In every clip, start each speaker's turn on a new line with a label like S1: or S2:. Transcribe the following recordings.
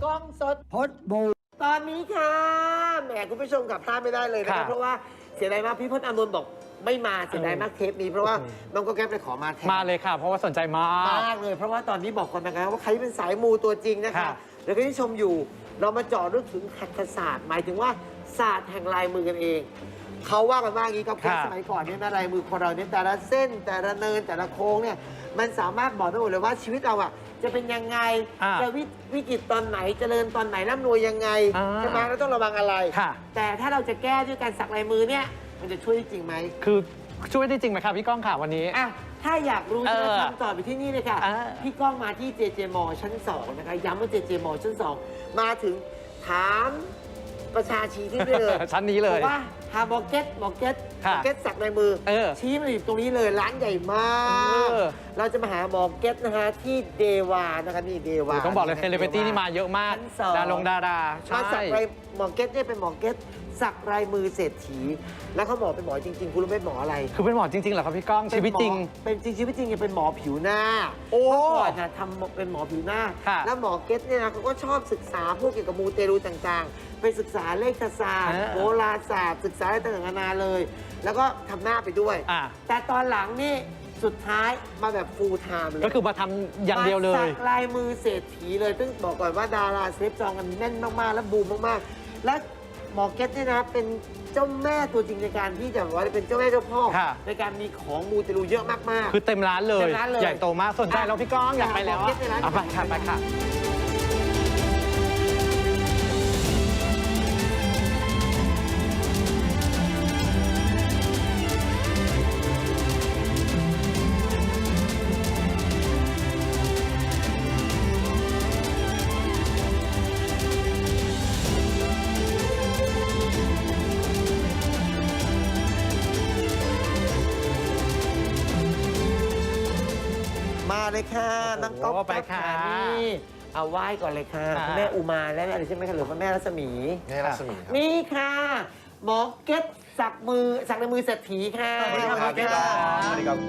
S1: กล้องสด
S2: พดบู
S1: ตอนนี้ค่ะแหมคุณผู้ชมกับพลาดไม่ได้เลยนะครับเพราะว่าเสียดายมากพี่พจน์อานนท์บอกไม่มาเสียดายมากเทปนี้เพราะว่าน้องก็แก๊ปไปขอมาแทน
S3: มาเลยค่ะ เพราะว่าสนใจมาก
S1: มากเลยเพราะว่าตอนนี้บอกก่อนนะครับว่าใครเป็นสายมูตัวจริงนะคะแล้วก็ที่ชมอยู่เรามาเจาะลึกถึงหัตถศาสตร์หมายถึงว่าศาสตร์แห่งลายมือกันเองเขาว่ากันว่าอย่างนี้ครับเพราะสมัยก่อนเนี่ยนะลายมือคนเราเนี่ยแต่ละเส้นแต่ละเนินแต่ละโค้งเนี่ยมันสามารถบอกได้หมดเลยว่าชีวิตเราอ่ะจะเป็นยังไงจะวิกฤตตอนไหนเจริญตอนไหนร่ำรวยยังไงใช่ไหมเราต้องระวังอะไรแต่ถ้าเราจะแก้ด้วยการสักลายมือเนี่ยมันจะช่วยจริงไหม
S3: คือช่วยได้จริงไหมครับพี่ก้องค่ะวันนี้
S1: ถ้าอยากรู้จะคำตอบไปที่นี่เลยค่ะพี่ก้องมาที่ JJ Mall ชั้น 2 นะคะย้ำว่า JJ Mall ชั้น 2 มาถึงถามประชาชีที่นี่เลย
S3: ชั้นนี้เลย
S1: ว่าหาหมอเก็ตสักในมือชี้มาอยู่ตรงนี้เลยร้านใหญ่มากเราจะมาหาหมอเก็ตนะคะที่เดวานะคะนี่เดวา
S3: ต้องบอกเลยเซเลบริตี้นี่มาเยอะมากดารา
S1: มาสักลายหมอเก็ตเนี่ยเป็นหมอเก็ตสักลายมือเศรษฐีแล้วเขาบอกเป็นหมอจริงๆคุณรู้ไหมหมออะไร
S3: คือเป็นหมอจริงๆเหรอครับพี่ก้องชีวิตจริง
S1: เป็นจริงชีวิตจริงเป็นหมอผิวหน้าเมื่อก่อนนะทำเป็นหมอผิวหน้าแล้วหมอเก็ตเนี่ยนะเขาก็ชอบศึกษาพวกเกี่ยวกับมูเตลูต่างๆไปศึกษาเลขศาสตร์โหราศาสตร์ศึกษาอะไรต่างๆนานาเลย แล้วก็ทำหน้าไปด้วยแต่ตอนหลังนี่สุดท้ายมาแบบฟูลไทม์เลย
S3: ก็คือมาทำอย่างเดียวเลย
S1: สักลายมือเศรษฐีเลยซึ่งบอกก่อนว่าดาราเซฟจองกันแน่นมากๆและบูมมากๆและหมอเก็ตเนี่ยนะเป็นเจ้าแม่ตัวจริงในการที่จะว่าเป็นเจ้าแม่เจ้าพ่อในการมีของมูเตลูเยอะมาก
S3: ๆคือเต็มร้านเลยใหญ่โตมากสนใจแล้วพี่ก้องอยากไปแล้วไปค่ะไปค่ะ
S1: มาเลยค่ะน้องก๊อฟไปค่ะนี่เอาไหว้ก่อนเลยค่ะคุณแม่อุมาและอะไรใช่ไหมคะหรือว่าแม่รัศมี
S2: แม่รัศมี
S1: นี่ค่ะหมอเก็ตสักในมือเศรษฐีค่ะ
S2: สวัสดีครับสวัสดีครับ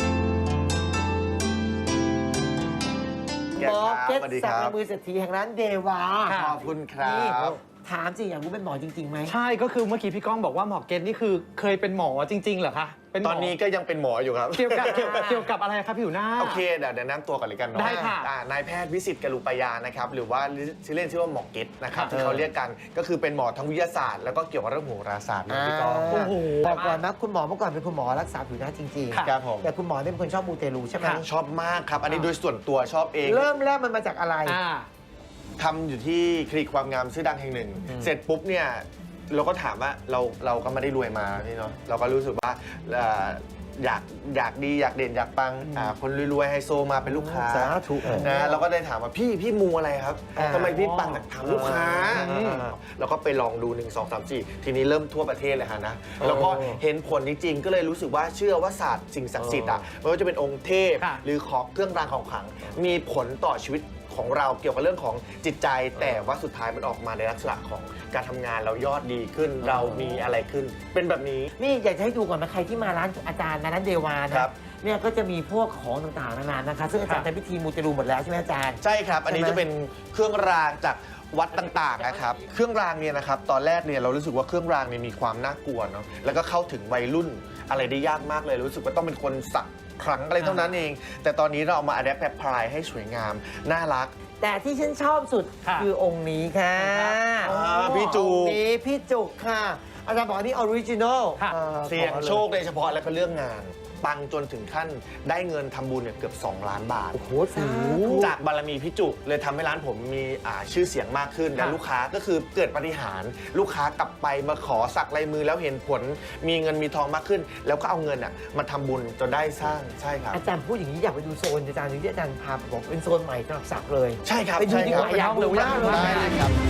S1: หมอเก็ตสักในมือเศรษฐีแห่งร้านเดวา
S2: ขอบคุณครับ
S1: ถามจริงอยากรู้เป็นหมอจริงๆไหม
S3: ใช่ก็คือเมื่อกี้พี่ก้องบอกว่าหมอเกตนี่คือเคยเป็นหมอจริงๆเหรอคะ
S2: ตอนนี้ก็ยังเป็นหมออยู่ครับ
S3: เกี่ยวกับอะไรครับผิวหน้า
S2: โอเคเดี๋ยวแนะนำตัวก่อนเลยกันเนาะ
S3: ได้ค่ะ
S2: นายแพทย์วิสิตกรุปยานะครับหรือว่าชื่อเล่นชื่อว่าหมอเกตนะครับที่เขาเรียกกันก็คือเป็นหมอทางวิทยาศาสตร์แล้วก็เกี่ยวกับเรื่องโหราศาสตร์พี่ก้อง
S1: บอกก่อนนะคุณหมอเมื่อก่อนเป็นคุณหมอรักษาผิวหน้าจริง
S2: ๆครับผม
S1: แต่คุณหมอเนี่ยเป็นคนชอบมูเตลูใช่ไหม
S2: ชอบมากครับอันนี้โดยส่วนตัวชอบเอง
S1: เริ่มแรกมันมาจากอะไร
S2: ทำอยู่ที่คลินิกความงามชื่อดังแห่งหนึ่งเสร็จปุ๊บเนี่ยเราก็ถามว่าเราก็ไม่ได้รวยมาพี่เนาะเราก็รู้สึกว่าอยากดีอยากเด่นอยากปังคนรวยๆไฮโซมาเป็นลูกค้า
S1: ถูก
S2: นะเราก็ได้ถามว่าพี่มูอะไรครับทำไมพี่ปังถามลูกค้าเราก็ไปลองดู1 2 3 4ทีนี้เริ่มทั่วประเทศเลยฮะนะแล้วก็เห็นผลจริงๆก็เลยรู้สึกว่าเชื่อว่าศาสตร์สิ่งศักดิ์สิทธิ์ไม่ว่าจะเป็นองค์เทพหรือของเครื่องรางของขลังมีผลต่อชีวิตของเราเกี่ยวกับเรื่องของจิตใจแต่ว่าสุดท้ายมันออกมาในลักษณะของการทำงานเรายอดดีขึ้นเรามีอะไรขึ้นเป็นแบบนี้
S1: นี่อยากจะให้ดูก่อนนะใครที่มาร้านอาจารย์ร้านเดวานะเนี่ยก็จะมีพวกของต่างๆนานานะคะซึ่งอาจารย์ทำพิธีมูเตลูหมดแล้วใช่ไหมอาจารย์
S2: ใช่ครับอันนี้จะเป็นเครื่องรางจากวัดต่างๆนะครับเครื่องรางเนี่ยนะครับตอนแรกเนี่ยเรารู้สึกว่าเครื่องรางเนี่ยมีความน่ากลัวเนาะแล้วก็เข้าถึงวัยรุ่นอะไรได้ยากมากเลยรู้สึกว่าต้องเป็นคนสักครั้งอะไรเท่านั้นเองแต่ตอนนี้เราเอามาอัดแอปพลายให้สวยงามน่ารัก
S1: แต่ที่ฉันชอบสุดคือองค์นี้ค่ะ
S2: พี่จุก
S1: นี้พี่จุกค่ะอาจารย์บอกนี่ออริจินอล
S2: เสี่ยงโชคโดยเฉพาะแล้วก็เรื่องงานปังจนถึงขั้นได้เงินทำบุญเนี่ยเกือบ2 ล้านบาท
S1: โอ้โห
S2: จากบารมีพี่จุกเลยทำให้ร้านผมมีชื่อเสียงมากขึ้นและลูกค้าก็คือเกิดปาฏิหาริย์ลูกค้ากลับไปมาขอสักลายมือแล้วเห็นผลมีเงินมีทองมากขึ้นแล้วก็เอาเงินมาทำบุญจนได้สร้างใช่ครับ
S1: อาจารย์พูดอย่างนี้อยากไปดูโซนอาจารย์ที่อาจารย์พาบอกเป็นโซนใหม่สำหรับสักเลย
S2: ใช่ครับ
S1: ไปดูดีกว่าอยากดูมากเลย
S2: ได้เลยครับ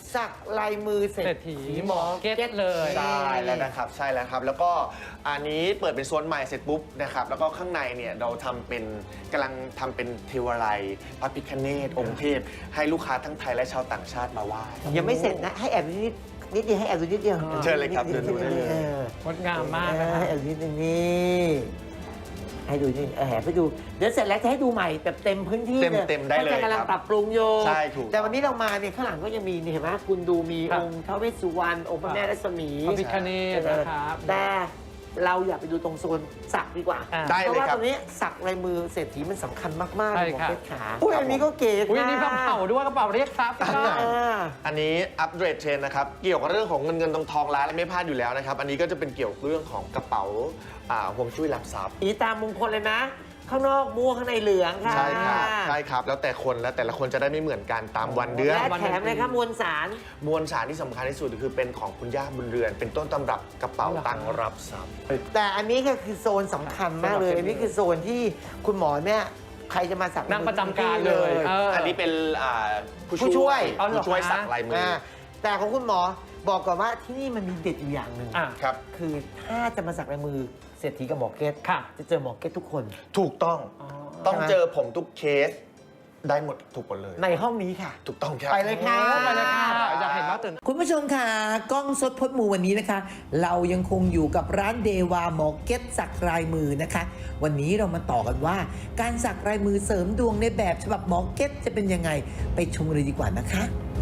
S1: สักลายมือเศรษฐีหมอเก็ตเลย
S2: ใช่แล้วนะครับใช่แล้วครับ แล้วก็อันนี้เปิดเป็นโซนใหม่เสร็จปุ๊บนะครับแล้วก็ข้างในเนี่ยเราทำเป็นกำลังทำเป็นเทวาลัยพระพิฆเนศองค์เทพให้ลูกค้าทั้งไทยและชาวต่างชาติมาไหว้
S1: ยังไม่เสร็จนะให้แอบนิดเดียวให้แอบดูนิดเดียว
S2: เชิญเลยครับเดินดูได้เลย
S3: งดงามมากนะ
S1: ให้แอบนิดนึงนี่ให้ดูนี่แอบไปดูเดี๋ยวเสร็จแล้วจะให้ดูใหม่แบบเต็มพื้นที่
S2: เต็มได้เลย
S1: พราะจะกำลัง
S2: ครับ
S1: ปรับปรุงโย
S2: ใช่ถูก
S1: แต่วันนี้เรามาเนี่ยข้างหลังก็ยังมีนี่เห็นไหมคุณดูมี
S3: ครับ
S1: องค์ท้าวเวสสุวรรณองค์พระแม่รัศมี
S3: พระพิฆเนศนะครับ
S1: แต่เราอยากไปดูตรงโซนสักดีกว่า
S3: อ่า
S2: ได้
S1: เพ
S2: เลย
S1: ราะว่า
S2: ครั
S1: ต
S2: บ
S1: รงนี้สักลายมือเศรษฐีมันสำคัญมากๆ
S3: ใช่
S1: เลยหมอ
S3: ครับ
S1: เพชรขาอุ้ยอันนี้ก็เก๋
S3: อุ้ยอันนี้กระ
S1: ค่ะ
S3: เป๋าด้วยกระเป๋าเรียกทรัพย์พี่ก้อง
S1: อ่า
S2: อันนี้อัปเดตเทรนด์นะครับเกี่ยวกับเรื่องของเงินทองร้านและไม่พลาดอยู่แล้วนะครับอันนี้ก็จะเป็นเกี่ยวกับเรื่องของกระเป๋าห่วงจุ้ยรับทรัพย์
S1: อีตามมงคลเลยนะ ข้างนอกม่วงข้างในเหลืองค่ะ
S2: ใช่ครับใช่ครับแล้วแต่คนแล้วแต่ละคนจะได้ไม่เหมือนกันตามวันเดือน
S1: และแถมเลยครับมวลสาร
S2: มวลสารที่สำคัญที่สุดคือเป็นของคุณย่าบุญเรือน เป็นต้นตำรับกระเป๋าตังค์รับทรัพย์
S1: แต่อันนี้ก็คือโซนสำคัญมากเลย อันนี้คือโซนที่คุณหมอเนี่ยใครจะมาสัก
S3: นั่งประจำการเลยเอออั
S2: อันนี้เป็น
S1: ผู้ช่วย
S3: เอาเหรอ
S2: ผู้ช่วย
S3: คะ
S2: สักลายมือ
S1: แต่ของคุณหมอบอกก่อนว่าที่นี่มันมีเด็ดอยู่อย่างหนึ่ง
S3: อ่ะ
S2: ครับ
S1: คือถ้าจะมาสักลายมือเศรษฐีกับหมอเก็ต
S3: ค่ะ
S1: จะเจอหมอเก็ตทุกคน
S2: ถูกต้อง
S3: อ๋อ
S2: ต้องเจอผมทุกเคสได้หมดถูกหมดเลย
S1: ในห้องนี้ค่ะ
S2: ถูกต้องครับ
S1: ไปเลยค่ะ
S3: ไปเลยค่ะอยากเห็นมากตื่น
S4: คุณผู้ชมค่ะกล้องสดพดมูวันนี้นะคะ เรายังคงอยู่กับร้านเดวาหมอเก็ตสักลายมือนะคะ วันนี้เรามาต่อกันว่า การสักลายมือเสริมดวงในแบบฉบับหมอเก็ตจะเป็นยังไงไปชมกันเลยดีกว่านะคะ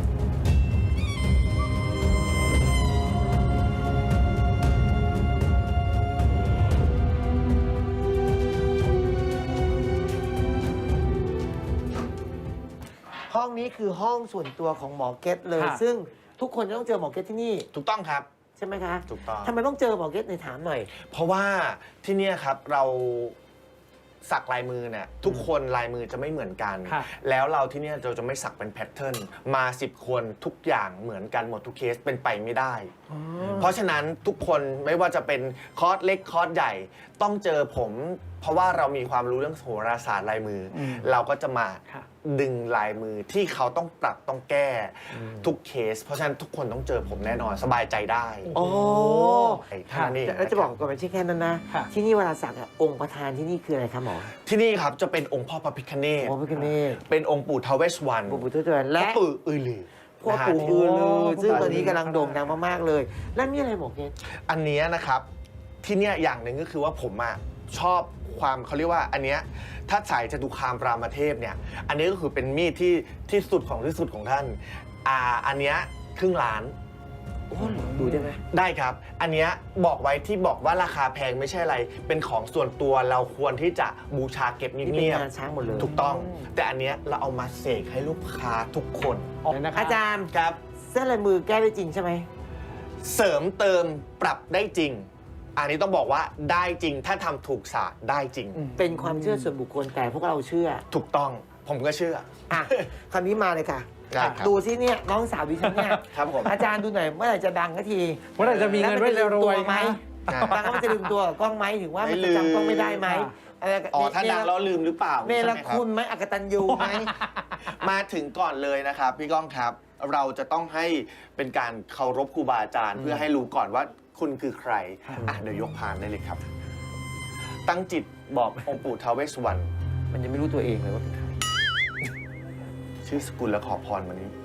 S1: ห้องนี้คือห้องส่วนตัวของหมอเก็ตเลย
S3: ค่ะ
S1: ซึ่งทุกคนจะต้องเจอหมอเก็ตที่นี่
S2: ถูกต้องครับ
S1: ใช่ไหมคะ
S2: ถูกต้อง
S1: ทำไมต้องเจอหมอเก็ตในถามหน่อย
S2: เพราะว่าที่เนี่ยครับเราสักลายมือเนี่ยทุกคนลายมือจะไม่เหมือนกัน
S3: ค่ะ
S2: แล้วเราที่เนี่ยเราจะไม่สักเป็นแพทเทิร์นมา10 คนทุกอย่างเหมือนกันหมดทุกเคสเป็นไปไม่ได้ เพราะฉะนั้นทุกคนไม่ว่าจะเป็นคอร์สเล็กคอร์สใหญ่ต้องเจอผม เพราะว่าเรามีความรู้เรื่องโหราศาสตร์ลายมืออเราก็จะมา
S3: ค่ะ
S2: ดึงลายมือที่เขาต้องปรับต้องแก้ทุกเคส เพราะฉะนั้นทุกคนต้องเจอผมแน่นอนสบายใจได้
S1: โอ้
S2: เท่านั้นเอง
S1: แล้วจะบอกก่อนไม่ใช่แค่นั้นนะ
S3: ค่ะ
S1: ที่นี่เวลาสักอะองค์ประธานที่นี่คืออะไรครับหมอ
S2: ที่นี่ครับจะเป็นองค์พ่อพระพิฆเนศ
S1: หมอพิคเนต
S2: เป็นองค์ปู่ทาวเวสวรรณ
S1: ปู่พุทธเจ้าและ
S2: และปู่อือลือ
S1: พ่อ
S2: นะฮะ
S1: ปู่อือลือซึ่ง
S3: พ่อปู่
S1: ตอนนี้กำลังโด่งดังมากๆเลย แล้วนี่อะไรหมอเกศ
S2: อันเนี้ยนะครับที่เนี่ยอย่างหนึ่งก็คือว่าผมอะชอบความเขาเรียกว่าอันเนี้ยถ้าสายจตุคามรามเทพเนี่ยอันนี้ก็คือเป็นมีดที่สุดของท่านอันเนี้ยครึ่งล้าน
S1: โอ้โหดูได้ไหม
S2: ได้ครับ อันเนี้ยบอกไว้ที่บอกว่าราคาแพงไม่ใช่อะไร เป็นของส่วนตัวเราควรที่จะบูชาเก็บเ
S1: นี่เป็น
S2: งียบ
S1: งานช้างหมดเลย
S2: ๆถูกต้อง แต่อันเนี้ยเราเอามาเสกให้ลูกค้าทุกคน
S1: อาจารย์
S2: ครับ
S1: เส้นลายมือแก้ได้จริงใช่ไหม
S2: เสริมเติมปรับได้จริง อันนี้ต้องบอกว่าได้จริงถ้าทำถูกศาสตร์ได้จริง
S1: เป็นความเชื่อส่วนบุคคลแต่พวกเราเชื่อ
S2: ถูกต้องผมก็เชื่อ
S1: อ่ะ คราวนี้มาเลยค่ะ
S2: ได้ครับ
S1: ดูซิเนี่ยน้องสาวดิฉันเนี่ย
S2: ครับผม
S1: อาจารย์ดูหน่อยเมื่อไหร่จะดังสักที
S3: เมื่อไหร่จะมีเงินไว้รวยๆ
S1: ไหม
S3: คะ
S1: ดังแล้วมันจะลืมตัวกับกล้องไหมถึงว่า
S2: ไม่
S1: มันจะจำกล้องไม่ได้ไหม
S3: ลืม
S1: อะไร
S2: อ๋อถ้าดังแล้วลืมหรือเปล่า
S1: เนร
S2: ใช่ไหมรับ
S1: คุณไหมอกตัญญูไหม
S2: มาถึงก่อนเลยนะครับพี่ก้องครับ เราจะต้องให้เป็นการเคารพครูบาอาจารย์ เพื่อให้รู้ก่อนว่าคุณคือใครเดี๋ยวยกพานได้เลยครับ ตั้งจิตบอกองค์ปู่ท้าวเวสสุวรรณ
S1: มันยังไม่รู้ตัวเองเลยว่าเป็นใคร
S2: ชื่อสกุลและขอพรวันนี้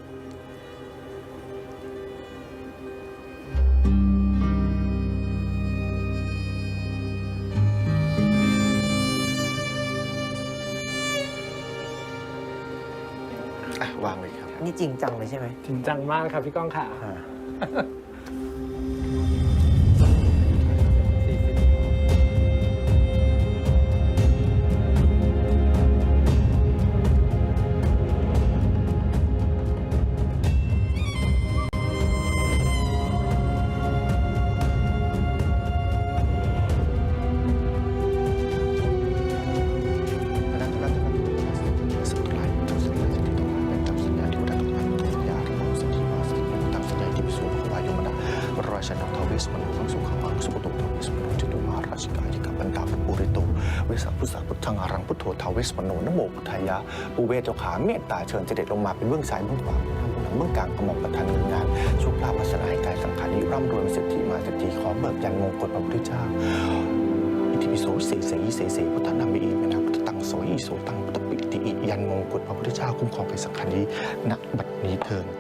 S2: วางเลยครับ
S1: นี่จริงจังเลยใช่ไหม
S3: จริงจังมากครับพี่ก้องค่ะ
S2: ราชนกทวิสมนุทังสุขังอังสุขตุทวิสมนุจตุมาราชิกายิกาปันดาปุริโตวิสัพพุสาพุทธังอารังพุทโธทวิสมนุนโมพุทธายะปูเวเจ้าขาเมตตาเชิญเสด็จลงมาเป็นเบื้องซ้ายเบื้องขวาเมื่อกลางกระหม่อมประทานเงินงานโชคลาภวาสนาให้กายสังขารนี้ร่ำรวยเป็นเศรษฐีมาเศรษฐีขอเบิกยันมงกุฎพระพุทธเจ้าอิติปิโสเสเสยิเสเสพุทธนามิอิเมนะพุทธตังโสยิโสตังพุทธปิติอิยันมงกุฎพระพุทธเจ้าคุ้มครองกายสังขารนี้ณบัดนี้เถิด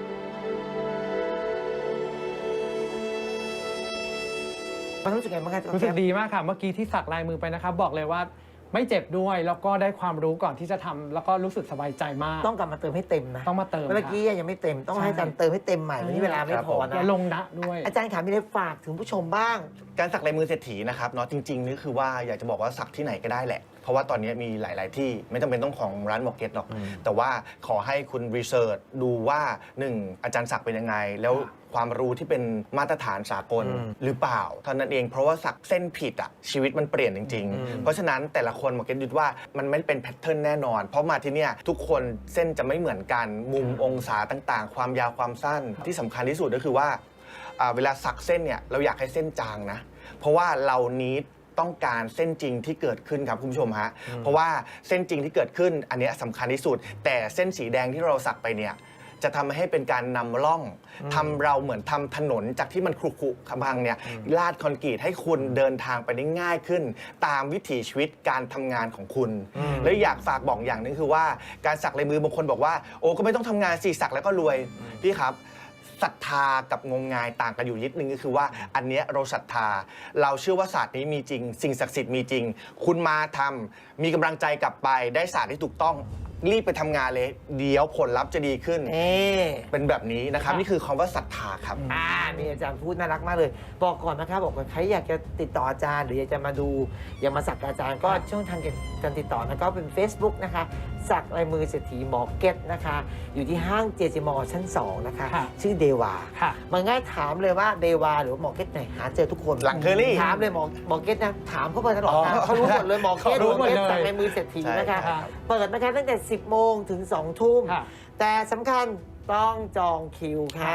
S1: มันรู้สึกไงบ้างคะ
S3: รู้สึกดีมากค่ะ เมื่อกี้ที่สักลายมือไปนะครับบอกเลยว่าไม่เจ็บด้วยแล้วก็ได้ความรู้ก่อนที่จะทำแล้วก็รู้สึกสบายใจมาก
S1: ต้องกลับมาเติมให้เต็มนะ
S3: ต้องมาเติม
S1: เมื่อกี้ยังไม่เต็มต้องให้อาจารย์เติมให้เต็มใหม่วันนี้เวลาไม่พอนะ
S3: และลงนะด้วย
S1: อาจารย์ขามีอะไรฝากถึงผู้ชมบ้าง
S2: การสักลายมือเศรษฐีนะครับเนาะจริงๆนี่คือว่าอยากจะบอกว่าสักที่ไหนก็ได้แหละ เพราะว่าตอนนี้มีหลายๆที่ไม่จำเป็นต้องของร้านหมอเก็ตหรอก แต่ว่าขอให้คุณรีเสิร์ชดูว่า 1. อาจารย์สักเป็นยังไง แล้วความรู้ที่เป็นมาตรฐานสากลหรือเปล่าเท่านั้นเองเพราะว่าสักเส้นผิดอ่ะชีวิตมันเปลี่ยนจริงๆ เพราะฉะนั้นแต่ละคนหมอเก็ตยึดว่ามันไม่เป็นแพทเทิร์นแน่นอน เพราะมาที่เนี่ยทุกคนเส้นจะไม่เหมือนกันมุมองศาต่างๆ ความยาวความสั้นที่สำคัญที่สุดก็คือว่าเวลาสักเส้นเนี่ยเราอยากให้เส้นจางนะเพราะว่าเรานี้ต้องการเส้นจริงที่เกิดขึ้นครับคุณผู้ชมฮะเพราะว่าเส้นจริงที่เกิดขึ้นอันนี้สำคัญที่สุดแต่เส้นสีแดงที่เราสักไปเนี่ยจะทำให้เป็นการนำร่องทำเราเหมือนทำถนนจากที่มันขรุขระขบังเนี่ยลาดคอนกรีตให้คุณเดินทางไปได้ง่ายขึ้น ตามวิถีชีวิตการทำงานของคุณแล้วอยากฝากบอกอย่างนึงคือว่าการสักลายมือบางคนบอกว่าโอ้ก็ไม่ต้องทำงานสิสักแล้วก็รวยพี่ครับศรัทธากับงมงายต่างกันอยู่นิดนึงก็คือว่าอันเนี้ยเราศรัทธาเราเชื่อว่าศาสตร์นี้มีจริงสิ่งศักดิ์สิทธิ์มีจริงคุณมาทำมีกำลังใจกลับไปได้ศาสตร์ที่ถูกต้องรีบไปทำงานเลยเดี๋ยวผลลัพธ์จะดีขึ้นเป็นแบบนี้นะครับนี่คือคำว่าศรัทธาครับ
S1: นี่อาจารย์พูดน่ารักมากเลยบอกก่อนนะครับบอกว่าใครอยากจะติดต่ออาจารย์หรืออยากจะมาดูอยากมาสักอาจารย์ก็ช่องทางการติดต่อนะก็เป็น Facebook นะคะสักลายมือเศรษฐีหมอเก็ตนะคะอยู่ที่ห้างเจจิมอชั้น2นะคะชื่อเดวามันง่ายถามเลยว่าเดวาหรือหมอเก็ตไหนหาเจอทุกคน
S2: หลังเคอรี่
S1: ถามเลยหมอเก็ตนะถามเขาไปตลอดเขารู้หมดเลยหมอเก็ตสักลายมือเศรษฐีนะคะเปิดนะคะตั้งแต่10 โมงถึง 2 ทุ่มแต่สำคัญต้องจองคิวค่ะ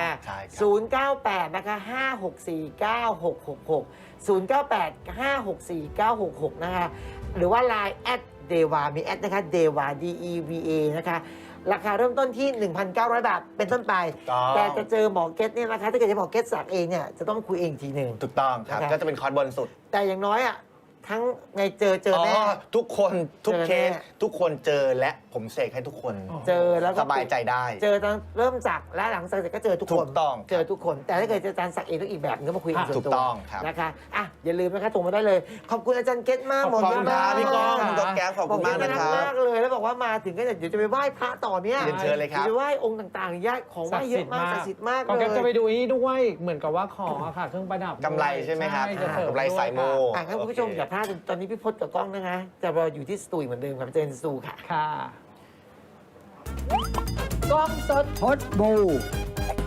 S1: 098นะคะ5649666 098 5649666นะคะหรือว่า Line แอดเดวามีแอดนะคะเดวา DEVA นะคะราคาเริ่มต้นที่ 1,900 บาทเป็นต้นไปแต่จะเจอหมอเก็ตเนี่ยนะคะถ้าเกิดจะหมอเก็ตสักเองเนี่ยจะต้องคุยเองทีหนึ่ง
S2: ถูกต้องครับก็จะเป็นคอร์สบนสุด
S1: แต่อย่างน้อยอ่ะทั้งในเจอแน่
S2: ทุกคนทุกเคสทุกคนเจอและผมเสกให้ทุกคน
S1: เจอแล้วก็
S2: สบายใจได้
S1: เจอตอนเริ่มสักและหลังสักเสร็จก็เจอทุกคน
S2: ถูกต้อง
S1: เจอทุกคนแต่ถ้าเกิดอาจารย์สักเองต้องอีกแบบนึงก็มาคุยกันส่วนตัว
S2: ถูกต้องครับ
S1: นะคะอ่ะอย่าลืมนะคะส่งมาได้เลยขอบคุณอาจารย์เก็ตมาก
S2: ขอบคุณครับพี่ก้องคุณก้องแก้วขอบคุณมากนะครับ
S1: มากเลยแล้วบอกว่ามาถึงก็เดี๋ยวจะไปไหว้พระต่อเนี่ย
S2: เชิญเลยครับ
S1: จะไหว้องค์ต่างๆญาติของไหว้เยอะมากศักดิ์สิทธิ์มากเลย
S3: จะไปดูนี่ด้วยเหมือนกับว่าของอะค่ะเครื่องประดับ
S2: กำไรใช่ไหมครับกำไรสายโม
S1: งั้นคุณผู้ชมอย่าพลาดตอนนี้พี่พจน์กับกล้องนะคะจะรออยู่ที่สตูเหมือนเดิมครับเจนสตูค่ะ
S3: ค่ะ
S1: กล้องสดพดบู